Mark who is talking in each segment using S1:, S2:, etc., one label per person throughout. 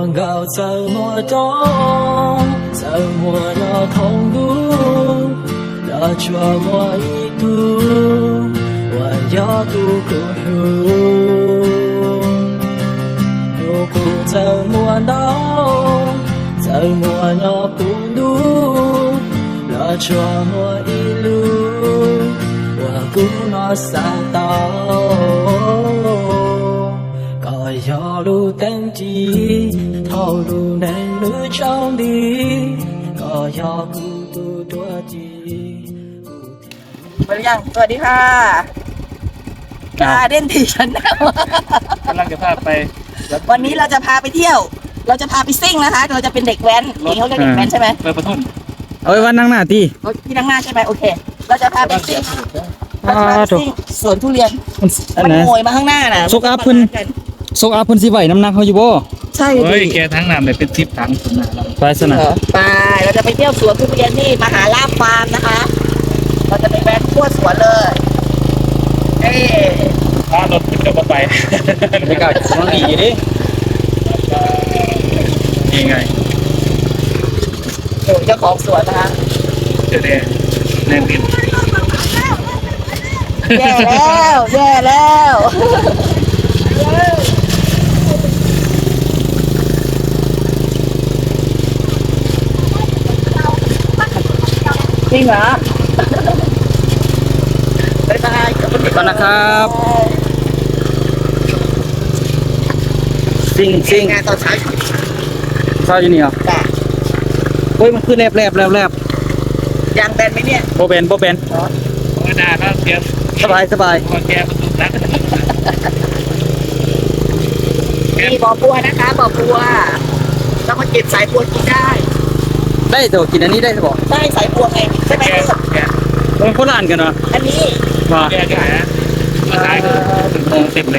S1: 广告怎么懂？怎么要痛读？那琢磨一读，我要读孤独。如果怎么闹？怎么要不读？那琢磨一路，我孤那三道。ก็ยอรู้เต็มที่เท่ารู้ในรู้ช่องดีก็ยอกูตัวจริง
S2: มาหรือยังสวัสดีค่ะการเด่นทีฉัน
S3: กำลังจะพาไป
S2: วันนี้เราจะพาไปเที่ยว เราจะพาไปซิ่งนะคะ เราจะเป็นเด็กแว้นนี่เขาเรียกเด็กแว้นใช่ไหม
S3: ไปประทุน
S4: เอาไว้วันนั่งหน้าที่
S2: ที่นั่งหน้าใช่ไหมโอเค เราจะพาไปซิ่งสวนทุเรียนมันโวยมาข้างหน้าน่ะ
S4: ซุกอัพเพิ่นซุกอัพเพิ่นสิไหวน้ำหนักเขาอยู่บ่
S2: ใช่
S3: เฮ้ยแกทั้งน้ำเลยเป็น10 ถัง
S4: ไปสนะ
S2: ไปเราจะไปเที่ยวสวนทุเรียนที่มหาลาภฟาร์มนะคะเราจะไปแว้นทั่วสวนเลย
S3: ถ้ารถขึ้นก็ไป
S4: บรรยากาศมันดีดิ
S3: นี่ไง
S2: เจ้าของสวนนะคะ
S3: เดี๋ยวแน่นิด
S2: แย่แล้วจริงเหรอบ๊ายบาย
S4: ก่อนนะครับซิ่ง
S2: งานตอนเช้า
S4: เช้าอยู่นี่เหรอเฮ้ยมันคือแลบ
S2: ยางแบนไหมเนี่ย
S4: โบแบน
S3: ธรรมดาก็เตรียม
S4: สบาย
S3: พอแกประตูนัก
S2: มีบ่อบัวนะคะบ่อบัวเรามาเก็บสายบัวกินได้
S4: แต่กินอันนี้ได้บ่
S2: ได้สายบัวไงใช่ไหม
S4: มันคนละอันกันเหรอ
S2: อันนี้
S4: ว่า
S3: แกขายมาขายก็ถึงโมงเต็มเลย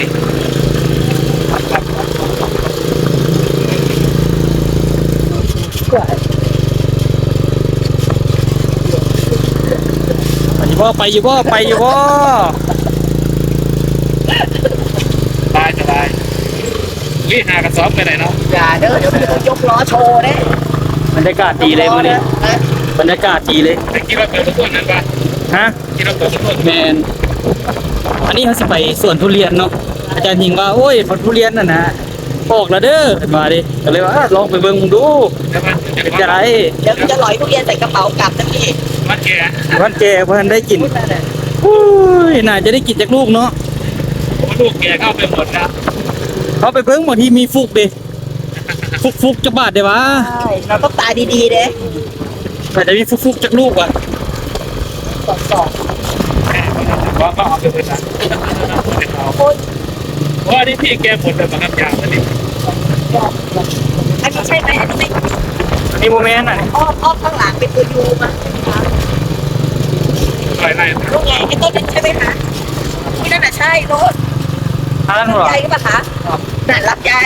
S4: ไปอยู่บ่
S3: สบายวิ่งหากระสอบไปไหนเนาะ
S2: อย่าเด้อเดี๋ยวมันยกล้อโชว์เด้
S4: บรรยากาศดีเลยมื้อนี้บรรยากาศดีเลย
S3: คิดว่าเปิดทุกนั้นปะ
S4: ฮะ
S3: คิดว่าเปิดทุกคน
S4: แมนอันนี้เขาสิไปสวนทุเรียนเนาะอาจารย์หิงว่าโอ้ยผลทุเรียนน่ะนะออกแล้วเด้อมาดิก็เลยว่าลองไปเบิ่งดูจะได้
S2: เดี๋ยวจะลอยทุเรียนใส่กระเป๋ากลับนะพี่
S3: วันแ
S4: ก่เพิ่นได้กินอุ้ยน่าจะได้กินจากลูกเนาะ
S3: ลูกแกเข้าไปหมดนะ
S4: เขาไปเบิ่งบางทีมีฟุกดิฟุกจักบาทได้วะ
S2: ใช่เราต้องตาดีๆเด้
S4: แต่จะมีฟุกจากลูกว่ะ
S2: สอง
S3: ว่าก็เอาไปเลยนะว่านี่พี่แกหมดเลยมันยาวเลย
S2: อันนี้ใช่ไหมอันนี้
S4: มีโมเมนต์อ่ะ
S2: อ้อมข้างหลังเป็นตัวยูมา
S3: อะไร
S2: ลูกไงไอ้ต้นนั้นใช่ไหมคะที่นั่นน่ะใช่รถใหญ่ก็ปะคะนั่นรับใหญ่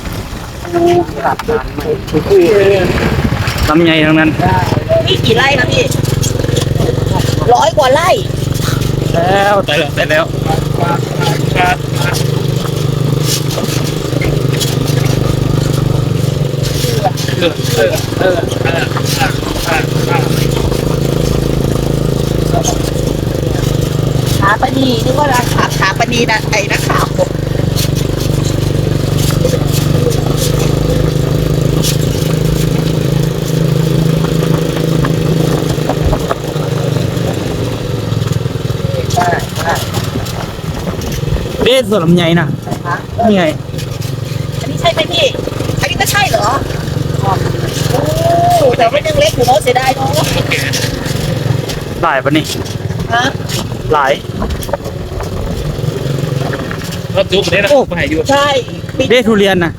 S4: ลำใหญ่ทั้งนั้น
S2: นี่กี่ไร่ครับพี่100 กว่าไร่
S4: แล้วแต่แล้ว
S2: ขาปนีนึกว่าราคาขาปนีนะไอ้นักข่าว
S4: เด็ดส่วนลำใหญ่นะนี่ไง
S2: อันนี้ใช่ไหมพี่อันนี้ก็ใช่เหรอโอ้แต่ไม่ยังเล็กอยู่เนาะเสียดายเนาะ
S4: หลายปะนี่
S2: ฮะ
S4: หลาย
S3: รถจุกเนี่ยนะไปอยู่
S2: ใช่
S4: เด็ดทุเรียนนะ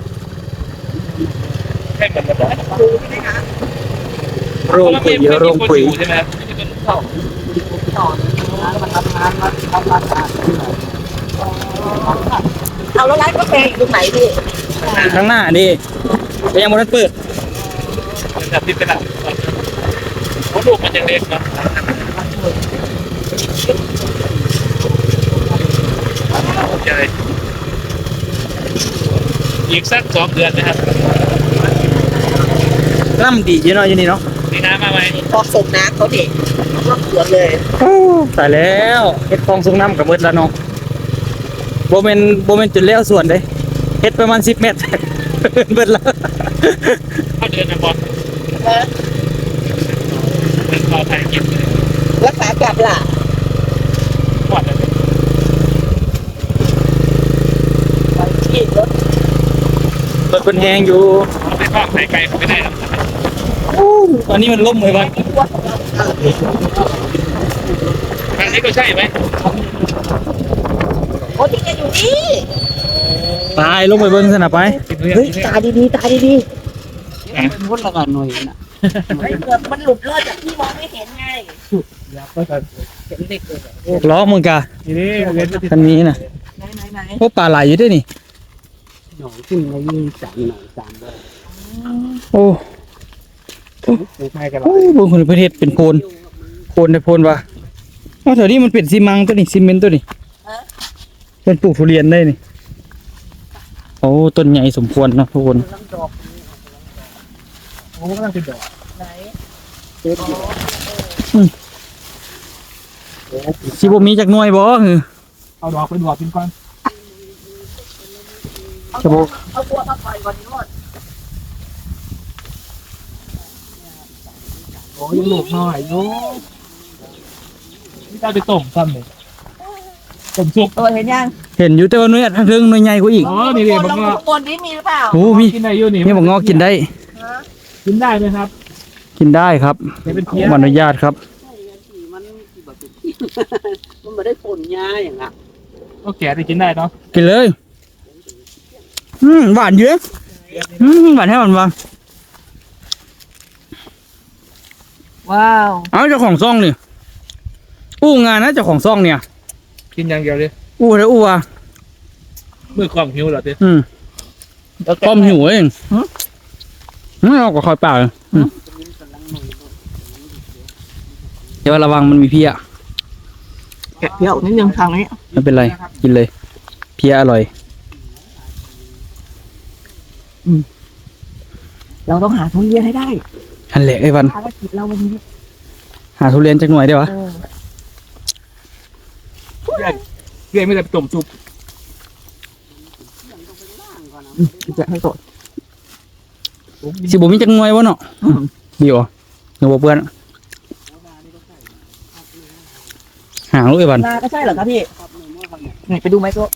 S3: ให้มันมา
S2: ดูใช่ไหมคะ
S4: โรงปุ๋ย
S3: ใช่ไหม
S2: ต่อเอาแล้วร้านกาแฟอยู่ตรงไหนพี่
S4: ข้างหน้าดิยังไม่ได้เปิด
S3: จับติดไปแล้วลูกมันยังเด็กเนาะ อีกสัก2 เดือนนะครับ
S4: น้ำดีอยู่เนาะอยู่นี่เนาะ
S3: มีน้ำมาไหม
S2: พอส่งน้ำเขาเด็กรอบสวนเลย
S4: ตายแล้วเฮ็ดคลองสูงน้ำกับเบิดแล้วเนาะโบเมนจุดแล้วส่วนเด้เฮ็ดประมาณ10 เมตร เบิดแล้ว
S3: เข้าเดือนนะบอล
S2: นะ
S3: เป็นพอไทยกินเลย
S2: รักษากลับล่ะ
S3: ปอดเลย
S2: ไปที่รถ
S4: รถเป็นแหงอยู่
S3: เอาไปทอดไข่ไก่ไม่ได้หรอก
S4: ตอนนี้มันล่มเลยบ้าน
S2: ที่ตัวของเรา
S3: ทางนี้ก็ใช่ไหม
S2: โอ้ที่แกอยู่นี่
S4: ตายลงไปเบิ่งสนะไป
S2: เฮ้ยตาดีๆตาดี
S1: มุดละกันหน่อยนะ
S2: ๆเฮ้ยเกือบมันหลุดรอดจากที่มองไม่เห็นไง
S4: ล้อมึงกะ
S3: นี่เว้น
S4: คันนี้น่ะ
S2: ไหน
S4: โอ้ปลาไหลอยู่ด้วยนี่
S1: หน่อยขึ้นมายืน3 หน่อย3ด้วย
S4: โอ้
S3: ไม่กันหรอ
S4: โอ้บนคนประเทศเป็นโพนได้โพนว่ะเอาแถวนี้มันเป็นซีมังตัวนี้ซีเมนต์ตัวนี้เป็นปลูกทุเรียนได้นี่โอ้ต้นใหญ่สมควรเนาะทุกคน
S2: ลำดอก
S3: โอ้กำลังเป็นดอก
S2: ไหน
S4: สิบ่มีจักหน่วยบ่คือ
S3: เอาดอกเป็นดอกเป็นก้อน
S4: จะบ่
S2: เอาตัวมาปล่อยก่อนรอด
S3: โอ้ยลูกน้อยโอ้นี่ได้ไปต้มซ้ำเลยต้มซุป
S2: ตัวเห็นยัง
S4: เห็นอยู่แต่ว่าหน่วยทางเทิงหน่วยใหญ่กว่าอีก
S3: อ๋อนี่เลยบัง
S2: ล
S3: เงาะ
S2: ข้างบนนี้มีหรือเปล่า
S4: โอ้มี
S3: กินได้อยู่นี่
S4: นี่บ่งอกินได้
S2: ฮะ
S3: กินได้ไหมครับ
S4: กินได้ครับ
S3: จะเป็นเพี้ย
S4: ขออนุญาตครับ
S1: มันมันไม่ได้ผลยาอย่างอ่ะ
S3: ก็แก่ได้กินได้เนาะ
S4: กินเลยหวานเยอะหวานแท้หวานวาง
S2: ว้าว
S4: เอาเจ้าของซ่องนี่อู้งานนะเจ้าของซ่องเนี่ย
S3: กินอย่างเดียวเลย
S4: อู้แล้วอู้อ่ะ
S3: มือความหิวเหรอเต้
S4: ความหิวเองเอาก็คอยเปล่าเลยเดี๋ยวระวังมันมีเพี้ย
S2: แกะเปรี้ยวนิดนึงทางนี้
S4: ไม่เป็นไรกินเลย เพี้ยอร่อย
S2: เราต้องหาทุเรียนให้ได้
S4: อันแหละไอ้วัน
S2: ภารกิจเราวันนี้
S4: หาทุเรียนจักหน่วยได้วะ
S3: เรียนไม่ได้ไปต้มซุป
S2: จะให้สด
S4: สิบ่มีจักหน่วยวะเนาะดีวะเงาบ่เปื้อนหางลูกไอ้วัน
S2: นาก็ใช่เหรอครับพี่ไหนไปดูไหมโซ่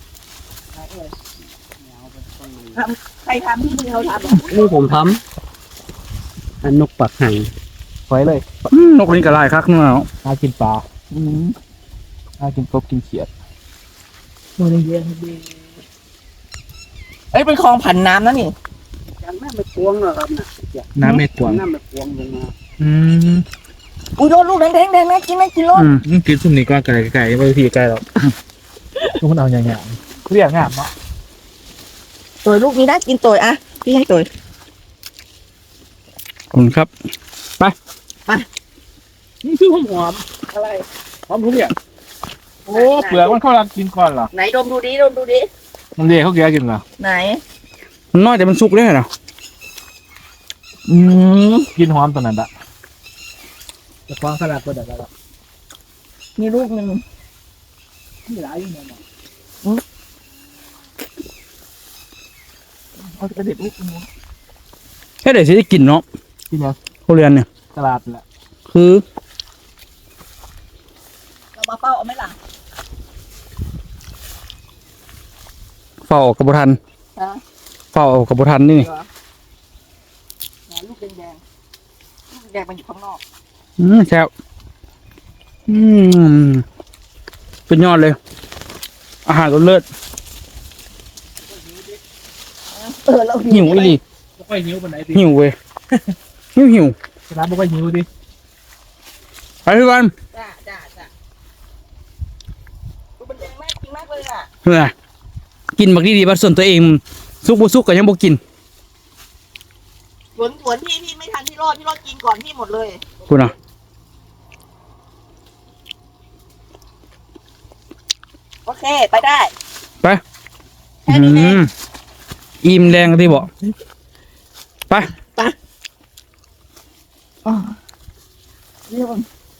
S2: ใครทำที่มือเขาทำเหรอ
S1: นี่ผมทำอันนกปักห่าง
S3: ไว้เลย
S4: นกนี่ก็ลายคักเนาะ
S3: น่ากินปลาน่ากินกบกินเขียด
S2: ตัวเรียนดีเอ้ยเป็นคลองผันน้ำนะนี่
S1: ยังไม่ไปพวงหรอกครับนะ
S3: น้ำเม็ดกวาง
S1: น้ำไปพวงลงมา
S2: อุ้ยโดนลูกแดงๆนะกินไหมกินรส
S3: กินสุ่มนี้ก็ไก่ไก่ไม่ทีไก่หรอกลูกมันเอาอย่างเงี้ยเรียกงามเนาะ
S2: ตัวลูกนี้ได้กินตัวอ่ะพี่ให้ตัว
S4: ขอบคุณครับ
S3: นี่คือหอม
S2: อะไร
S3: หอมทุเรียนโอ้เปลือกมันเข้ารักกินก่อนเหรอ
S2: ไหนดมดูดิดมดูดิ
S3: มันเรียกเขาแก่กินเหรอ
S2: ไหน
S4: มันน้อยแต่มันสุกได้เหรอ
S3: กินหอมตอนนั้นอะจะควางขนาดตัวเด็กแล้ว
S2: มีลูกหนึ่ง
S3: ที่ร้ายอยู่เนี่ย
S2: เอาไปเด็ดลูกหนึ่ง
S4: แค่เดี๋ยวสิได้กินเนาะ
S3: ที่เนี่ย
S4: ทุเรียนเนี่ย
S3: ตลาดแหละ
S4: คือ
S2: เรามาเฝ้าเอาไหมล่ะ
S4: เฝ้าออกกระบุทัน
S2: ฮะ
S4: เฝ้าออกกระบุทันนี่
S2: ไหนลูกแดงๆลูกแดงมันอยู่ข้างนอก
S4: แซ่บเป็นยอดเลย อาหารรสเลิศ
S2: เรา
S4: หิวอีหลี
S3: ไม่ค่อยหิวปานไหนดิ
S4: หิวเว้ยหิว
S3: ร้านไม่ค่อยหิวดิ
S4: ไปพี่วัน
S2: จ้าลูกมันแดงมากจริงมากเลยอ่ะ
S4: เฮ้ยกินบักดีๆบัดส่วนตัวเองสุกบ่สุกก็ยังบ่กิน
S2: สวนพี่ไม่ทันพี่รอดกินก่อนพี่หมดเลย
S4: คุณอ่ะ
S2: โอเคไปได้
S4: ไป
S2: แค่นี้เอง
S4: อิ่มแรงที่บอกไป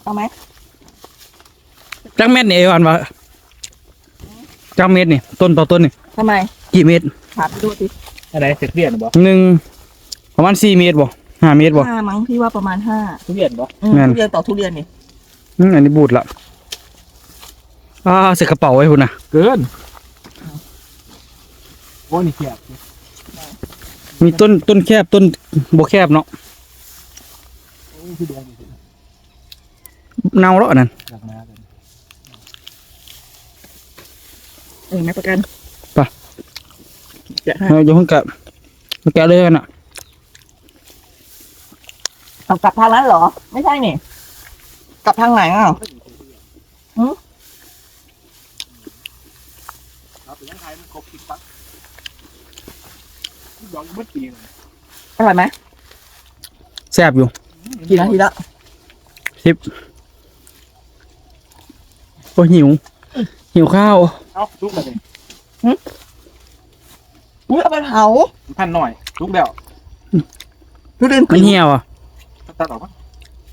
S2: เอาไหม
S4: จักเม็ดนี่เอวันวะจักเม็ดนี่ต้นต่อต้นนี่
S2: ทำไม
S4: กี่เม็ด
S2: ถามดูสิ
S3: อะไรเสร็จเรียนบ่
S4: หนึ่งประมาณ4 เมตรบ่5 เมตรบ่
S2: ห้ามั้งพี่ว่าประมาณห้า
S3: ทุเรียนบ่
S2: ทุเรียนต่อทุเรียนนี่
S4: อันนี้บูดละใส่กระเป๋าไว้พุ่นนะ
S3: เกินโอ้นี่แคบ
S4: มีต้นแคบต้นบ่แคบเนาะ
S3: โอ้คือแดงนี่
S4: เน่าแล้วอันนั่น
S3: หนักหนากัน
S2: ไม่ประกัน
S4: ไป
S2: จะให้
S4: เอาอยู่ห้องแกะเลยกันอ่ะ
S2: เอากลับทางนั้นเหรอ ไม่ใช่นี่กลับทางไหนอ่ะ
S3: ครับเป็นยังไงมันครบ10 ปักดอกมันปีน
S2: อร่อยไหม
S4: แซ่บอยู่
S2: กี่นาทีละ
S4: 10โอ้หิวข้าว
S3: เอ้าลุกแล้วนี่
S2: อุ้ยเอาไปเผา
S3: พันหน่อยลุกแล้ว
S2: ทุเรียน
S4: มันเหี่ยวอ่ะ
S3: ตัดออกมั้ย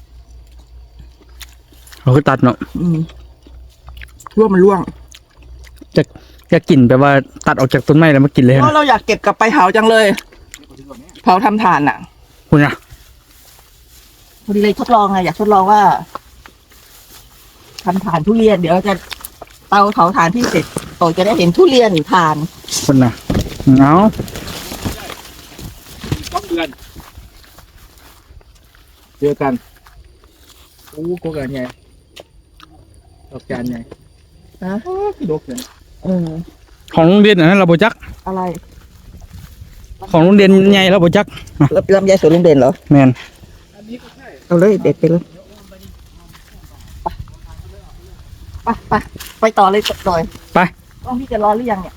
S4: เราก็ตัดเนาะ
S2: ร่วงมันร่วง
S4: อยากกินแบบว่าตัดออกจากต้นไม้แล้วมากินเลย
S2: เพ
S4: นะ
S2: ราะเราอยากเก็บกลับไปเผาจังเลย เผาทำถ่านอ่ะ
S4: คุณนะ
S2: พอดีเลยทดลองไงอยากทดลองว่าทำถ่านทุเรียน เดี๋ยวจะเตาเผาถ่านที่เสร็จโตจะได้เห็นทุเรียนถ่าน
S4: คุณนะเอา
S3: 2 เดือนเจอกันโอ้โกกันไงดอกจานไง
S2: นะ
S3: ดอกเลย
S4: ของโรงเรียนอันนั้นเราบ่จัก
S2: อะไร
S4: ของโรงเรียนใหญ่เราบ่จัก
S2: ลำไยสวนลุงเด่นเหรอ
S4: แมน
S3: อันนี้ก็ใช่
S2: เอาเลยเด็ดไปเลยไปต่อเลยต่อย
S4: ไป
S2: ต้องพี่จะรอหรือยังเนี่ย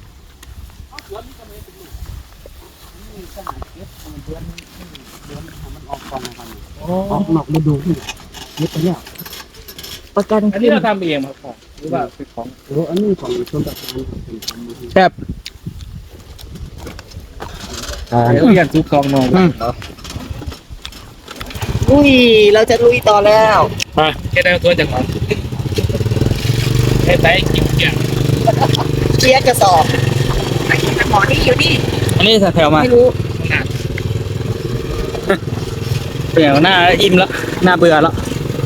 S1: ออกนอกฤดูนี่นี่ตัวเนี้ย
S2: ประกัน
S3: อันนี้เราทำเองครับของหรือว่าเป็นของ
S1: โอ้อันนี้ของชนประทานเป็นทำมาให้
S4: แซ่บ
S3: ทุเรียนซุปซองนองเนาะ
S2: อุ้ยเราจะลุยต่อแล้ว
S3: มาแค่ได้ตัวจากของให้ไต้กินเกี่ยง
S2: เชียร์กระสอบไอ้หมอนี่อยู่นี่
S4: อันนี้แถวๆมา
S2: ไม่รู้
S4: เปลี่ยนหน้าอิ่มแล้วหน้าเบื่อแล้ว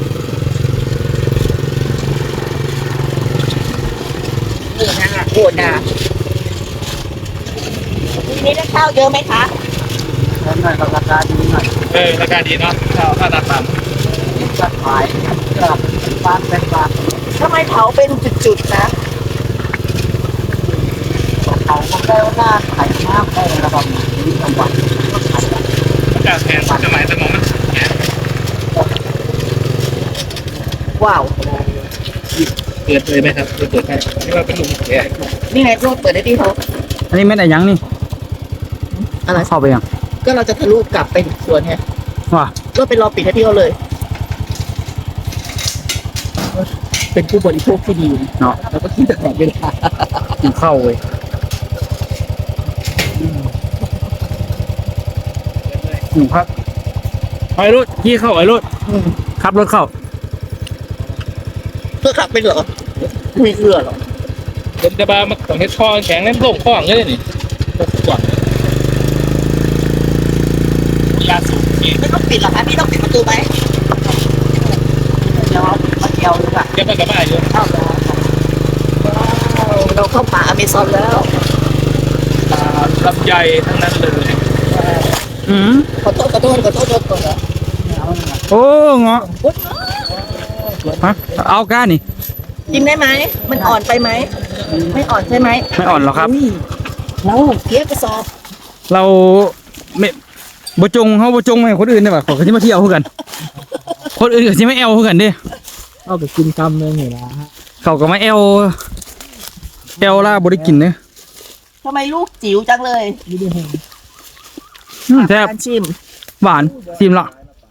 S2: โหดนะทีนี้ได้ข้าวเยอะไหมคะ
S1: แล้วหน่อยราคาดีหน่อย
S3: ราคาดีเนาะข้าวตาต่ำ
S1: จะขายเกือบบ้านเป็นบาท
S2: ทำไมเผาเป็นจุดๆนะ
S1: เขาก็ได้ว่าหน้าขายมากได้ระดับนี้จังหวัดก็ขาย
S3: จากแทนสมัยสมองมัน
S2: ว้าว
S3: เปิดเลยไหมครับเปิดให้นี่ว่าเป็นลุงแก
S2: นี่ไงโรดเปิดได้ดีเขา
S4: อันนี้แม่นอะไรยังนี่
S2: อะไร
S4: เข้าไปยัง
S2: ก็เราจะทะลุกลับไปสวนไง
S4: ว่า
S2: ก็ไปรอปิดให้พี่เขาเลย เป็นผู้บริโภคที่ดี
S4: เนาะ
S2: แล้วก็คิดตลอดเวลา
S4: กินข้าวเว้ยครับไอ้รถขี่เข้าไอ้รถขับรถเข้า
S2: เพื่อขับไปเหรอไม่เชื่อหรอก
S3: เป็นจะบ้ามาต้องให้ช่อแข็งเล่นโล่งข้องเลยนี่ก่อนยาสูบนี่
S2: ไม่ต้องปิดหรอกคะพี่ต้องปิดประตูไหมเดี๋ยวมาเที่ยวดีกว่า
S3: ยังไม่กลับมาอยู่
S2: เข้าแล้วเราเข้าป่าอเมซอนแล้ว
S3: ลำไยทั้งนั้นเลย
S2: ขอโทษก่อนเหรอ
S4: โอ้เงาะฮะเอาก้านี่
S2: กินได้ไหมมันอ่อนไปไหมไม่อ่อนใช่ไหม
S4: ไม่อ่อนหรอกครับ
S2: เราเทียบกระสอบ
S4: เราไม่บ่จงเขาบ่จงให้คนอื่นได้ป่ะขอเขาที่มาเที่ยวเพื่อกัน คนอื่นก็สิไม่แอลเพื่อกันเดิ
S1: เอาไปกินคำเลยนี่นะฮะ
S4: เขาก็มาแอลล่าบ่ได้กินเด้
S2: ทำไมลูกจิ๋วจังเลย
S4: แซ่บ
S2: การชิม
S4: หวานซิมละ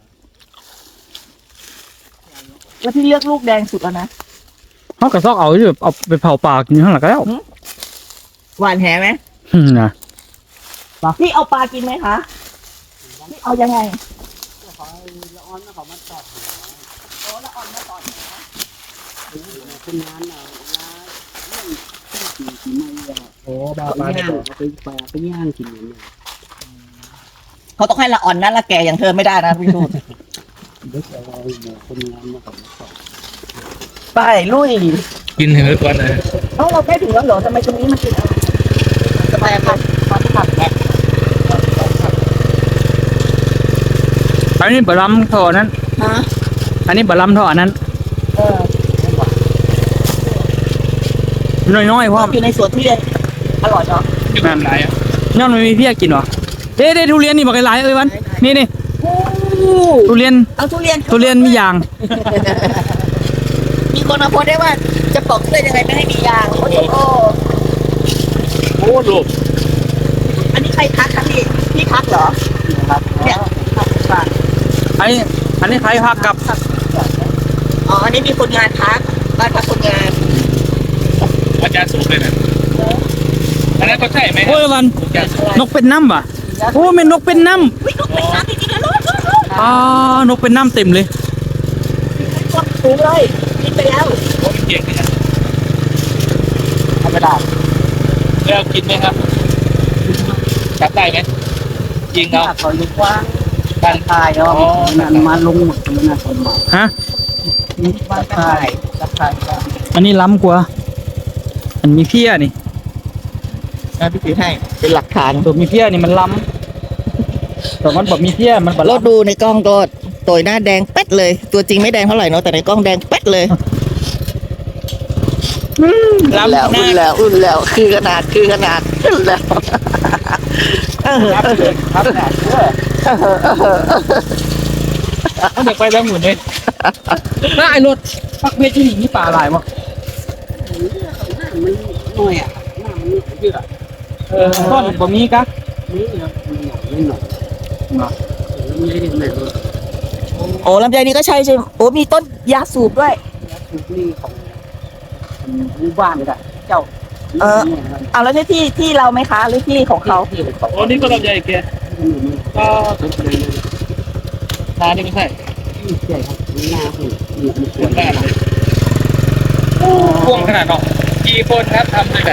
S2: แล้วพี่เลือกลูกแดงสุดแล้วนะ
S4: เขากระซอกเอาอยู่แบบเอาไปเผาปากกินข้างหลังก็แล้ว
S2: หวานแหไหม
S4: นะ
S2: พี่เอาปลากินไหมคะพี่เอายังไงละอ่อนมาก่อน
S5: เป็นงานเราเรื่องที่ไม่อะ
S3: โอ้บา
S5: เอา
S3: บา
S5: ย่าง
S3: เนี่ย
S5: เอาไปย่างกินอย่างเงี้ย
S2: เขาต้องให้ละอ่อนนะละแกอย่างเธอไม่ได้นะพี่ทูต
S5: เด็กเราเนี่ยคนงานมาก่อน
S2: ไปลุย
S3: กินเห็นก่อนเลย
S2: เราใกล้ถึงแล้วเหรอทำไมตรงนี้มันติดอะไรสบายครับมาที่ผัก
S4: อันนี้บะล้ำท่อนั้น
S2: ฮะ
S4: อันนี้บะล้ำท่อนั้น
S2: เออ
S4: น้อยๆเพราะ
S2: อยู่ในสวนทุเรียนอร่อยเนาะ
S3: กินแบบไหนอ่ะ
S4: ย้อนมันมีเพี้ยกินวะเด้ทุเรียนนี่บอกหลายๆวันนี่ทุเรียน
S2: เอาทุเรียน
S4: ทุเรียนมียาง
S2: มีคนมาโพสต์ได้ว่าจะปอกทุเรียนยังไงไม่ให้มียางโอ้โห
S3: โอ้ลูก
S2: อันนี้ใครทักคะพี่ทักเหรอเนี่ยทัก
S4: อันนี้ใครพักกับ
S2: อ๋ออันนี้มีคนงานทักบ้านพักคนงาน
S3: อาจารย์สูงเลยนะอันนั้นเขาใช่ไหม
S4: โอ้ยวันนกเป็นน้ำว่ะโอ้แม่นนกเป็นน้
S2: วิ่งลูกเป็นน้ำจริงๆนะลูก
S4: ำนกเป็นน้ำเต็มเลย
S2: กดสูงเลยกินไปแล้ว
S3: โอ้เก่งเลยนะ
S2: ธรรมดา
S3: แล้วกินไหมครับจับได้ไหมยิงเอา
S5: เขาอยู่กว้าง
S3: การ
S5: ทายเนาะมันมาลงหมดเลยนะคนมา
S4: ฮะ
S5: บ้านทายตะไคร้
S4: อันนี้ล้ำกว่าอันมีเพี้ยนี่
S2: นะพี่ถือให้เป็นหลักฐาน
S4: ตัวมีเพี้ยนี่มันล้ำแต่มันแบบมีเพี้ยมันแบบ
S2: เราดูในกล้องก็โตยหน้าแดงเป็ดเลย ตัวจริงไม่แดงเท่าไหร่เนาะแต่ในกล้องแดงเป็ดเลยอุ่นแล้วอุ่นแล้วคือขนาดอุ่นแล้ว
S3: ครับเนี่ยเขาเด็กไปแล้วหมุนเลย
S4: น่าไอ้รถปักเบี้ยที่นี่มีปลาหลายมั้ง
S5: มันน้อยอ่ะน้ำมันเยอะ
S4: ต้นบ่มีกะ
S5: นี่นะมันหน่อยมาไม่ได้แม่เลย
S2: โอ้ลำไยนี่ก็ใช่โอ้มีต้นยาสูบด้วย
S5: ทุกนี่ของหมู่บ้านเลยเจ้า
S2: เอาแล้วที่เราไหมคะหรือที่ของเขา
S5: ที่ของ
S3: โอ้นี่ก็ลำใหญ่แกก็
S5: เป็นเลย
S3: นานี่ไม่ใช่
S5: ที่ใหญ่ครับหน้าหุ่นมี
S3: สวนบ้านเลยพ่วงขนาดเนาะกี่คนครับทำในแบบ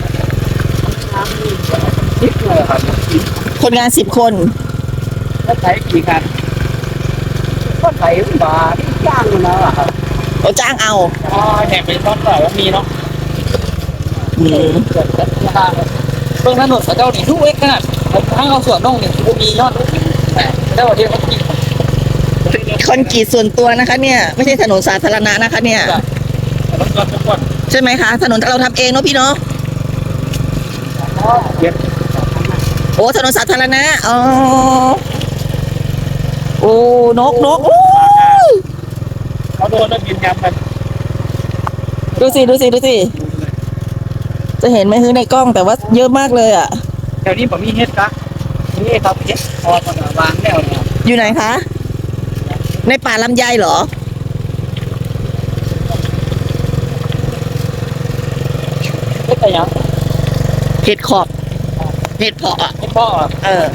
S5: นิดเลยครับ
S2: คนงาน10 คน
S3: แล้วใช้กี่คัน
S5: ก็ใส่บาทจ้างมาแล้วครับ
S2: เราจ้างเอา
S3: อ๋อแห่เป็นต้นแบบว่ามีเนาะ
S2: อืม
S3: เบื้องถนนพระเจ้านี่ทุกเอ็กขนาดทั้งเอาส่วนน้องนี่มียอดแต่ได้ว่าที่เขากิน
S2: คอนกรีตส่วนตัวนะคะ เนี่ยไม่ใช่ถนนสาธารณะนะคะ เนี่ย
S3: รถทุกคน
S2: ใช่ไหมคะ ถนนเราทำเองเนาะพี่เนาะ
S3: เย็น
S2: โอ้ถนนสาธารณะอ๋อโอ้นกโอ้
S3: เขาโดนแล้วกินยำกัน
S2: ดูสิจะเห็นไหมคือในกล้องแต่ว่าเยอะมากเลยอ่ะ
S4: แถวนี้ผมมีเฮ็ดกะ
S3: นี่ครับเย็นพอตอนวางแล้วเนี่ย
S2: อยู่ไหนคะในป่าลำไยเหรอ
S3: เฮ็ดอะไรยัง
S2: เห็ดขอบเห็ดเพาะอะ
S3: ให้พ่อ
S2: เออ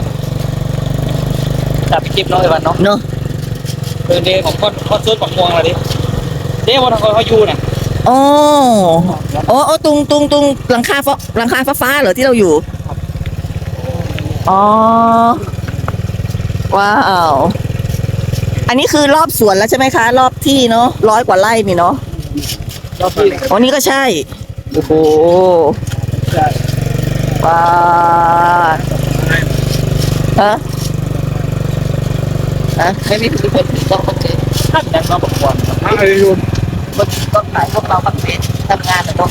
S3: จับไปเก็บน้อยวันเนาะ
S2: เนาะ
S3: เป็นเดย์ของคนซื้อของม่วงอะไรดิเดย์วันของเขาอยู่เนี่ย
S2: อ๋ออ๋อตรงหลังคาฟ้าเหรอที่เราอยู่อ๋อว้าวอันนี้คือรอบสวนแล้วใช่ไหมคะ รอบที่เนาะ100 กว่าไร่นี่เนาะ
S3: เราพี่
S2: อ๋อนี่ก็ใช่โอ้โหว้าไม่มีคนต้องมาเก็บ
S3: ท่านยังเราประกวดอะไรอยู่
S2: ต้องขายพวกเราบังเพ็ญทำงานเนาะ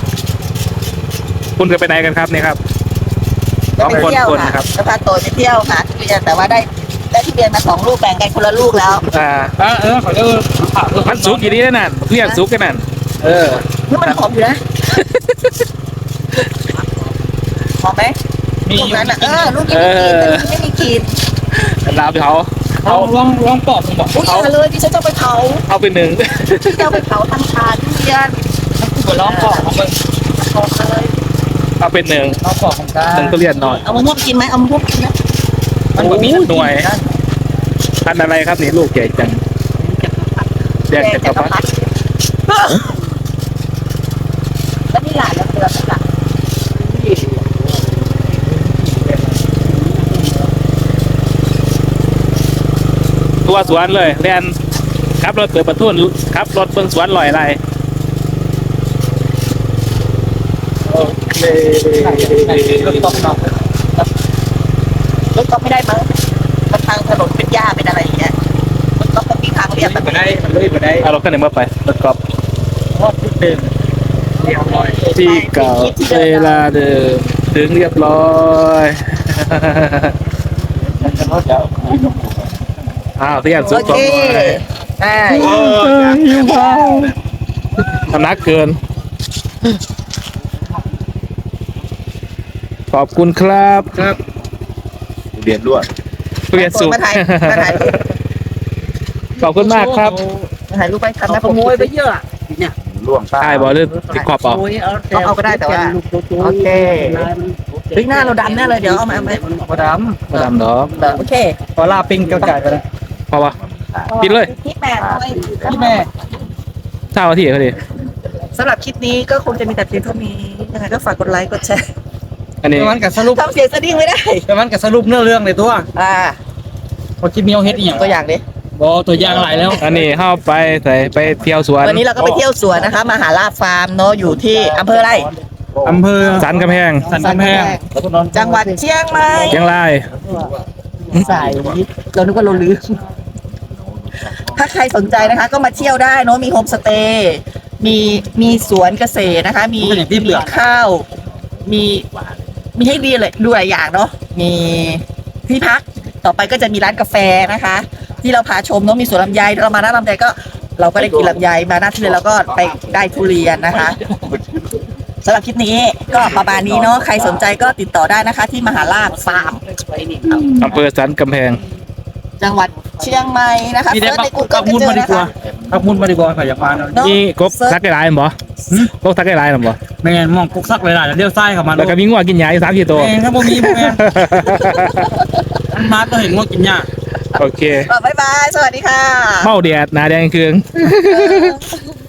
S3: คุณเคยไปไหนกันครับเนี่ยครับ
S2: จะไปเที่ยว
S3: คน
S2: ค่ะ
S3: นะครับ
S2: จะพาโตไปเที่ยวค่ะทุเรียนแต่ว่าได้ทุเรียนมา2 ลูกแบ่งกันคนละลูกแล้ว
S3: ขอเจอมันซุกอยู่นี่นั่นเพื่อนซุกกันนั่น
S2: นี่มันหอมอยู่นะหอมไหม
S3: มี
S2: ลูกนั้นอ่ะลูกนี้ไม่มีกลิ่น
S3: ลาไปเขา
S4: ลองปอกผมบอก
S2: อุ้ยอย่าเลยดิฉันจะไปเผา
S3: เอาไปหนึ่ง
S2: จะไปเผาทำชาทุเรียน
S3: หัวล้อมปอกของมึง
S2: หอมเลย
S3: เอาเป็นหนึ่ง
S4: ลองปอกของกา
S3: หนึ่งทุเรียนหน่อย
S2: เอามะม่วงกินไหมเอามะม่วงกินนะ
S3: มันมีหน่วยพันอะไรครับนี่ลูกใหญ่จังแดงจักรพรรดิ
S2: แล้วนี่หลานแล้วเดือนนี่หลาน
S3: ตัวสวนเลยเรียนขับรถเปิดประตูขับรถเบิ่งสวนลอยอะไรโอเค
S2: รถก๊อฟเนาะรถก๊อฟไม่ได้มั้งมันทางถนนเป็นหญ้าเป็นอะไรอย่างเงี้ยรถก๊อฟมันมีทางเรียบแบบนี้
S3: เอารถคันไหนมาไปรถกอล์ฟ
S5: ทอดที่เป็นเรียบร้อย
S3: ที่เก่าเวลาเดิมถึงเรียบร้อยอ้าวเรียนสุ
S2: โอ
S3: ด
S2: เค
S3: ต่อไป
S2: ได้
S3: น้ำหนักเกิน ขอบคุณครับ
S5: ครับ
S3: เรียนรวดเรียนสุด
S2: มาถ่ายรูป
S3: ขอบคุณมากครับ
S2: มาถ่ายรูปไปครับ
S5: เอา
S2: นะ
S5: ขโมยไปเยอะเนี่ย
S3: ใช่บอลเลือดติดขอบเปล่า
S5: ขโมยเอาก็ได้แต่ว่าโอเค
S2: เฮ้ยหน้าเราดำแน่เลยเดี๋ยวเอามา
S5: กระด
S3: มาดำเนาะ
S2: โอเค
S5: ำขอลาปิ้งเกาไก่ไปแล้ว
S3: พอปะปิดเลย
S2: พี่แม่ด้วย
S5: พี่แม่
S3: เช้าที่เขาดิ
S2: สำหรับคลิปนี้ก็คงจะมีแต่เพียงเท่านี้ยังไงก็ฝากกดไลค์กดแชร์
S3: อันนี้
S5: แต่มันกับสรุป
S2: ทำเสียงสะดิ้งไม่ได้
S5: แต่มันกับสรุปเนื้อเรื่องเลยตัว
S2: พ
S5: พอคิดมีเอาเฮ็ดอีกอย่าง
S2: ตัวอย่างดิ
S5: บอตัวอย่างหลายแล้ว
S3: อันนี้เข้าไปใส่ไปเที่ยวสวน
S2: วันนี้เราก็ไปเที่ยวสวนนะคะมหาลาภฟาร์มเนาะอยู่ที่อำเภออะไร
S5: อำเภอ
S3: สันกำแพง
S5: สันกำแพง
S2: จังหวัดเชียงใหม่
S3: เชียงราย
S2: สายเรานึกว่าเราลืมถ้าใครสนใจนะคะ ก็มาเที่ยวได้เนาะมีโฮมสเตย์มีสวนเกษตรนะคะ มีข้าว มีให้ดีเลยดูหลายอย่างเนาะมีที่พักต่อไปก็จะมีร้านกาแฟนะคะ ที่เราพาชมเนาะมีสวนลำไยเรามาหน้าลำไยก็ เราก็ได้กินลำไยมาหน้าที่เลยเราก็ไปได้ทุเรียนนะคะสำหรับคลิปนี้ก็ประมาณนี้เนาะใครสนใจก็ติดต่อได้นะคะ ที่มหาลาภฟาร์ม
S3: อำเภอสันกำแพง
S2: จังหวัดเชียงใหม่นะคะ
S5: มีได้
S2: เซิร์ชในกู
S5: ปั
S2: เกิ
S5: ก
S2: ล
S5: มุน
S2: ก็
S5: มา
S2: เจ
S5: ดี
S2: อก
S5: ว่า
S2: นะคะ
S5: ปักมุนมาดีกว่าขอยากมาเนาะ
S2: เนาะ
S3: นี่กบซักได้หลายบ่กบซักได้หลายหรือบ่
S5: ไม่งั้นมองกุกซักหลายๆแล้วเลี้ยวซ้ายเข้ามา
S3: แล้วก็มีงัวกินหญ้าอยู่3-4ตัว
S5: แม่งถ้าบ่มีบ่แม่งมันมาก็เห็นว่ากินยาก
S3: โอเค
S2: บ๊ายบาย สวัสดีค่ะ
S3: เมาแดดหน้าแดงเคือง